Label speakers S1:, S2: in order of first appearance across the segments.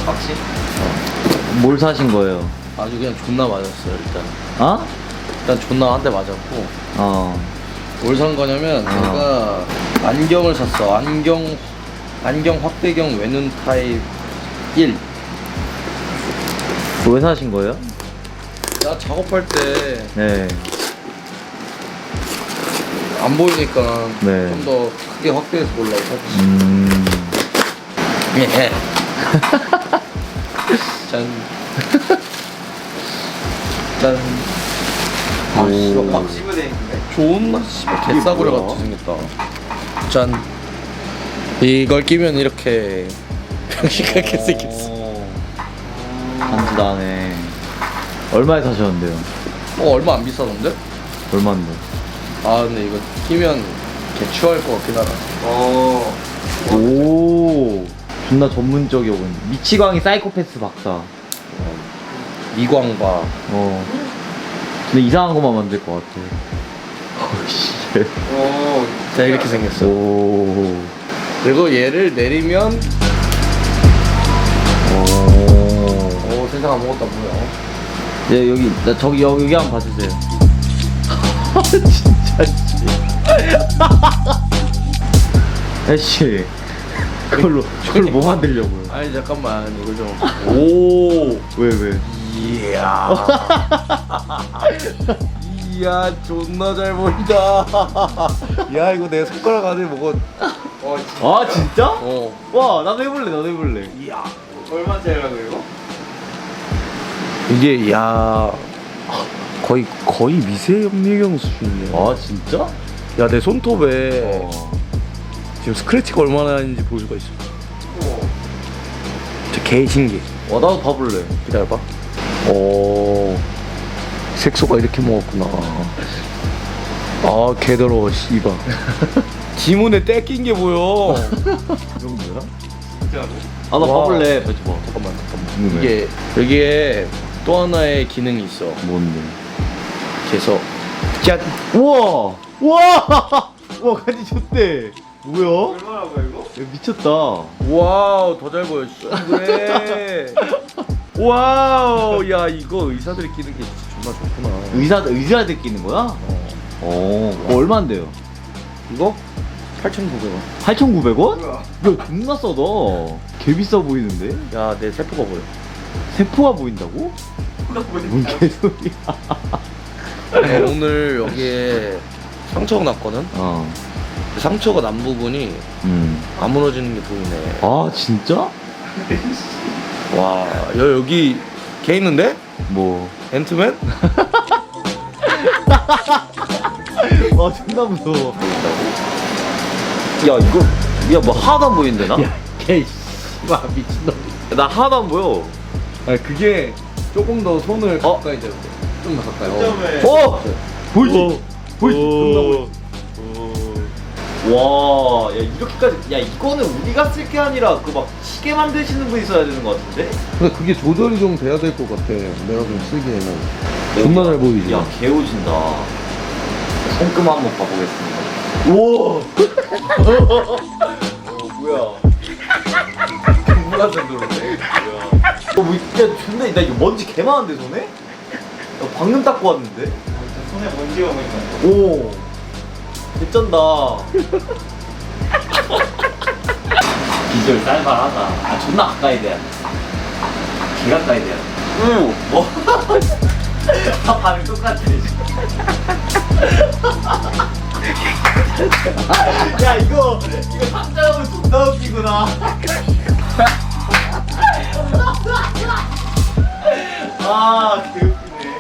S1: 확실? 뭘 사신 거예요?
S2: 아주 그냥 존나 맞았어요 일단.
S1: 어?
S2: 일단 존나 한 대 맞았고. 뭘 산 거냐면 내가 안경을 샀어. 안경 확대경 외눈 타입 1.
S1: 왜 사신 거예요?
S2: 나 작업할 때 안
S1: 네.
S2: 보이니까
S1: 네.
S2: 좀 더 크게 확대해서 보려고 샀지. 예. 짠. 짠. 아, 씨발, 막
S1: 씹어대 있는데?
S2: 존나 씨발 개싸구려
S1: 뭐야?
S2: 같이 생겼다. 짠. 이걸 끼면 이렇게 병신같게 생겼어.
S1: 간지나네. 얼마에 사셨는데요?
S2: 얼마 안 비싸던데?
S1: 얼마인데?
S2: 아 근데 이거 끼면 개추할 것 같긴 하다.
S1: 오, 존나 전문적이어 보인다. 미치광이 사이코패스 박사.
S2: 미광바.
S1: 근데 이상한 것만 만들 것 같아. 씨.
S2: 자 이렇게 생겼어.
S1: 오.
S2: 그리고 얘를 내리면
S1: 오.
S2: 세상 아무것도 안 보여.
S1: 예, 여기, 나 저기, 여기 한번 봐주세요. 진짜, 씨. 애씨. 그걸로 뭐 만들려고요?
S2: 아니 잠깐만 이거 좀. 오.
S1: 왜?
S2: 이야. 이야 존나 잘 보인다. 야 이거 내 손가락 안에 뭐가.
S1: 아, 진짜?
S2: 어.
S1: 와, 나도 해볼래.
S2: 이야.
S1: 얼마짜리라고, 이거?
S2: 이게 야 거의 미세염리경 수준이야.
S1: 아, 진짜?
S2: 야 내 손톱에 지금 스크래치가 얼마나 있는지 볼 수가 있어. 진짜 개 신기해.
S1: 나도 봐볼래.
S2: 기다려봐. 색소가 이렇게 먹었구나. 아 개더러워 씨발. 지문에 때 낀 게 보여.
S1: 그 정도야?
S2: 진짜로?
S1: 나
S2: 와.
S1: 봐볼래. 봐봐.
S2: 잠깐만.
S1: 궁금해.
S2: 이게 여기에 또 하나의 기능이 있어.
S1: 뭔데?
S2: 그래서 짠.
S1: 우와! 우와! 우와, 간지 좋대. 뭐야?
S3: 얼마라고요 이거?
S1: 야, 미쳤다.
S2: 와우 더 잘 보여. 그래. 와우 야 이거 의사들이 끼는 게 진짜 존나 좋구나.
S1: 의사들 끼는 거야? 얼마인데요?
S2: 이거 8,900원.
S1: 8,900원?
S3: 뭐야?
S1: 야, 존나 싸다. 개 비싸 보이는데?
S2: 야 내 세포가 보여.
S1: 세포가 보인다고? 뭔 개소리야.
S2: 오늘 여기에 상처가 났거든. 그 상처가 난 부분이 안 무너지는 게 보이네.
S1: 아, 진짜?
S2: 와, 여기 개 있는데?
S1: 뭐.
S2: 앤트맨?
S1: 와, 존나 무서워. 야, 이거, 야, 뭐 하나도 안 보이는데, 나?
S2: 개 와, 미친놈.
S1: 나 하나도 안 보여.
S2: 아니, 그게 조금 더 손을 가까이 대고. 좀 더 가까이.
S1: 보이지? 보이지? 존나
S2: 오.
S1: 보이지? 와, 야, 이렇게까지. 야, 이거는 우리가 쓸 게 아니라 그 막 시계 만드시는 분 있어야 되는 것 같은데?
S2: 근데 그게 조절이 좀 돼야 될 것 같아. 내가 좀 쓰기에는. 존나 잘 보이지?
S1: 야, 개오진다. 손금 한번 봐보겠습니다. 우와! 뭐야. 중국한 정도인데? 뭐, 야, 존나, 나 이거 먼지 개 많은데, 손에? 야, 방금 닦고 왔는데?
S3: 손에 먼지가 보인다.
S1: 오! 개쩐다. 비주얼 쌀발하다. 아, 존나 가까이 돼야 돼. 개 가까이 돼야 돼. 오! 반응 똑같아. 야, 이거 상장하면 존나 웃기구나. 아, 개웃기네.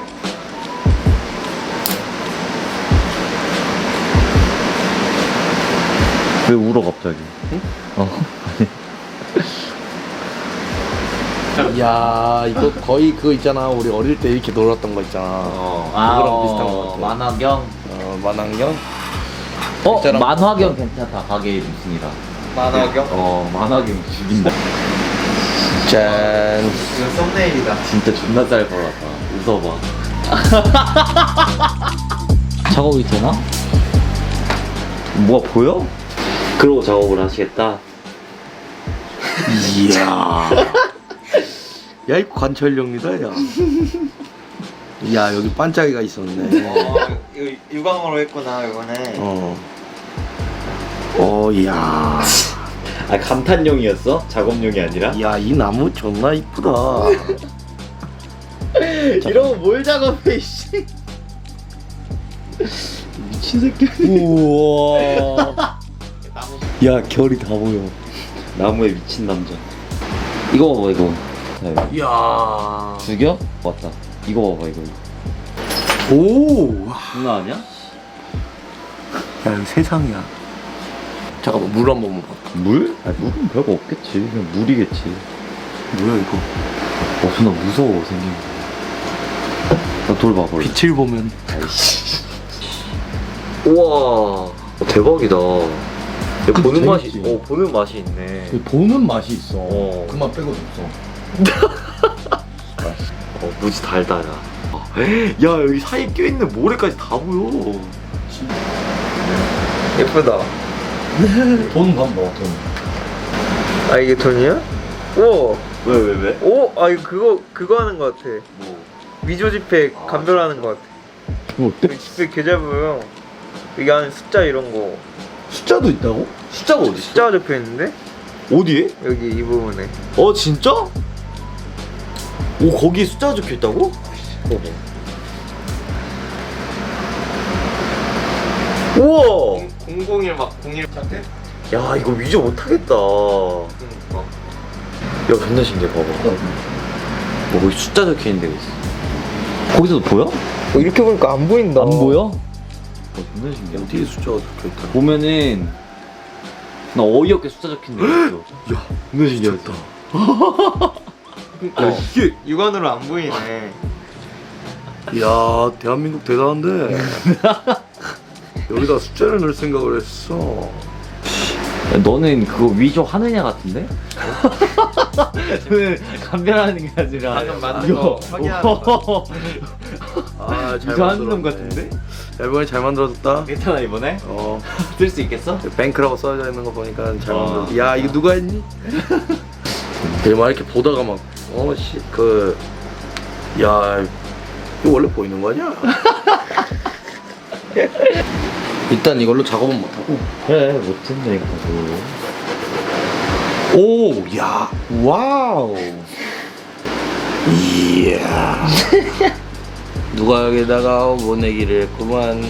S1: 왜 울어 갑자기? 응?
S2: 야, 이거 거의 그거 있잖아. 우리 어릴 때 이렇게 놀았던 거 있잖아. 그거랑 비슷한 거 같아.
S1: 만화경.
S2: 만환경?
S1: 있잖아. 만화경 괜찮다. 가게 이름 승이다.
S3: 만화경?
S1: 만화경 죽인다.
S2: 짠.
S3: 이거 썸네일이다.
S1: 진짜 존나 잘 벌었다. 웃어봐. 작업이 되나? 뭐가 보여? 그러고 작업을 하시겠다.
S2: 이야. 야 이거 관철용이다 야. 야 여기 반짝이가 있었네.
S3: 이거 유광으로 했구나 이거는.
S2: 이야.
S1: 아 감탄용이었어? 작업용이 아니라?
S2: 야 이 나무 존나 이쁘다.
S1: 이러고 뭘 작업해 씨. 미친 새끼. 우와. 야 결이 다 보여. 나무에 미친 남자. 이거 봐봐 이거.
S2: 이야.
S1: 죽여? 맞다. 이거 봐봐 이거.
S2: 오.
S1: 장난 아니야?
S2: 야 여기 세상이야. 잠깐만 물 한 번만 봐.
S1: 물? 아 물은 별거 없겠지. 그냥 물이겠지.
S2: 뭐야 이거?
S1: 존나 무서워 생긴 거. 나돌 봐봐.
S2: 빛을 보면.
S1: 아이씨. 우와. 대박이다. 보는 맛이.
S2: 재밌지?
S1: 보는 맛이 있네.
S2: 보는 맛이 있어.
S1: 어.
S2: 그 맛 빼고도 없어.
S1: 무지 달달하. 야 여기 사이에 껴있는 모래까지 다 보여.
S3: 예쁘다.
S2: 돈 한번 봐. 돈.
S3: 아 이게 돈이야? 오.
S1: 왜?
S3: 오. 아 이거 그거 하는 거 같아.
S1: 뭐?
S3: 위조 지폐 감별하는 거 같아.
S2: 어때?
S3: 여기 지폐 개 잘 보여. 여기 안에 숫자 이런 거.
S2: 숫자도 있다고?
S1: 숫자가 어디 있어?
S3: 숫자가 적혀 있는데
S1: 어디에?
S3: 여기 이 부분에.
S1: 진짜? 오 거기에 숫자가 적혀 있다고? 우와.
S3: 001 막 01 같아?
S1: 야 이거 위조 못하겠다.
S3: 그러니까.
S1: 야 존나 신기해 봐봐. 뭐 거기 숫자 적혀 있는 데가 있어. 거기서도 보여?
S3: 이렇게 보니까 안 보인다.
S1: 존나 신기해.
S2: 어디에 숫자가 적혀있다.
S1: 보면은 나 어이없게 숫자 적힌 데 있어.
S2: 야
S1: 존나 신기하다.
S3: 그러니까
S1: 이게
S3: 육안으로 안 보이네.
S2: 이야 대한민국 대단한데. 여기다 숫자를 넣을 생각을 했어.
S1: 너는 그거 위조 하느냐 같은데? 너는 감별하는 게 아니라
S3: 방금 만든 거 확인하는 거.
S2: 아잘
S1: 위조 하는 놈 같은데?
S2: 야, 이번에 잘 만들어졌다.
S1: 괜찮아 이번에?
S2: 어
S1: 쓸 수 있겠어?
S2: 뱅크라고 써져 있는 거 보니까 잘
S1: 어.
S2: 만들었어. 야 이거 누가 했니? 막 이렇게 보다가 막 야 이거 원래 보이는 거 아니야? 일단 이걸로 작업은 못하고.
S1: 그래 못했네 이거.
S2: 오, 야, 와우. 이야. 누가 여기다가 모내기를 했구만.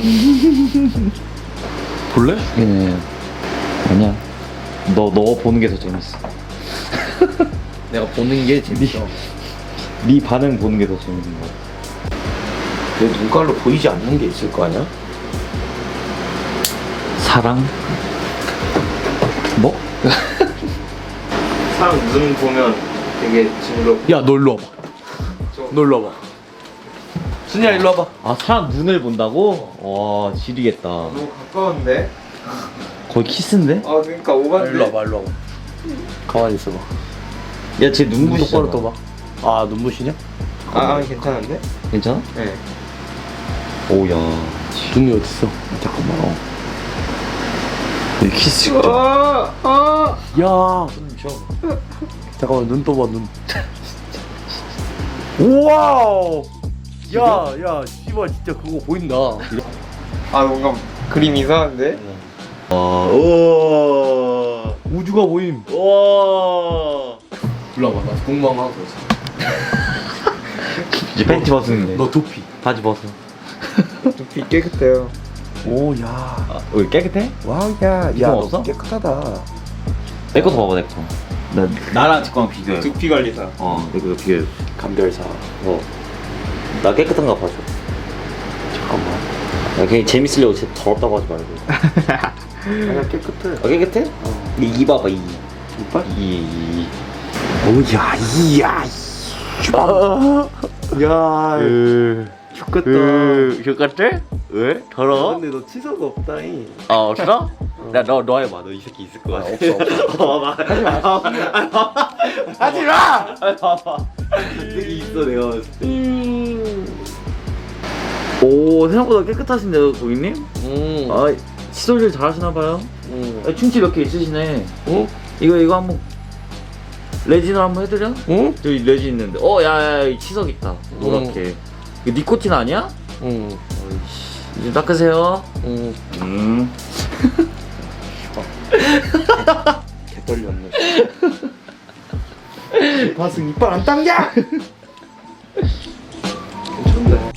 S2: 볼래?
S1: 예. 아니야. 너 보는 게 더 재밌어.
S2: 내가 보는 게 재밌어.
S1: 네 반응 보는 게 더 재밌는 거야.
S2: 내 눈깔로 보이지 않는 게 있을 거 아니야?
S1: 사랑?
S2: 뭐?
S3: 사람 눈 보면 되게 징그럽.
S2: 야, 너 일로 와봐. 너 일로 와봐. 순이야, 일로 와봐.
S1: 아 사람 눈을 본다고? 와 지리겠다.
S3: 너무 가까운데?
S1: 거의 키스인데?
S3: 아 그러니까 오반데.
S2: 일로 와봐, 일로 와봐. 가만히 있어봐.
S1: 야 쟤
S2: 눈
S1: 눈부시잖아.
S2: 똑바로 떠봐. 아, 눈부시냐?
S3: 아 괜찮은데?
S1: 괜찮아?
S3: 네.
S1: 오야.
S2: 눈이 어딨어? 잠깐만.
S1: 이 키스.
S2: 야.
S1: 손 줘.
S2: 잠깐만, 눈 떠봐, 눈. 우와우. 야, 씨발, 진짜 그거 보인다.
S3: 아 뭔가 그림 이상한데?
S1: 우와.
S2: 우주가 보임.
S1: 우와.
S2: 일로 와봐, 나 궁금한 거 하나 더 있어.
S1: 이제 팬티 벗었는데.
S2: 너 두피.
S1: 바지 벗어.
S3: 두피 깨끗해요.
S2: 오, 야.
S1: 여기 깨끗해?
S2: 와우, 야.
S1: 이거
S2: 야,
S1: 없어?
S2: 너 깨끗하다.
S1: 내 것도 봐봐 내 거. 나랑 제 거랑 비교해.
S3: 두피 관리사.
S1: 내 거 비교해.
S2: 감별사.
S1: 나 깨끗한가 봐줘.
S2: 잠깐만.
S1: 야, 그냥 재밌으려고 진짜 더럽다고 하지 말고.
S2: 아니야, 깨끗해.
S1: 깨끗해? 이 봐봐 이.
S2: 이빨?
S1: 이.
S2: 오, 야, 이야. 야, 좋겠다.
S1: 똑같아? 왜? 더러워?
S2: 근데 너 치사가 없다잉.
S1: 없어? 너 해봐. 너 이 새끼 있을 것 같아.
S2: 없어.
S1: 하지 마.
S2: 하지 마!
S1: 봐봐. 이 새끼 있어 내가 봤을 때. 오 생각보다 깨끗하신데요 고객님? 아 칫솔질 잘하시나봐요. 충치 몇 개 있으시네.
S2: 어?
S1: 이거 한번 레진으로 한번 해드려?
S2: 응?
S1: 저기 레진 있는데. 야야야 치석 있다. 노랗게. 이거 니코틴 아니야?
S2: 응.
S1: 어이씨. 이제 닦으세요.
S2: 응. 개 떨렸네.
S3: 바승 이빨 안 당겨!
S2: 괜찮네.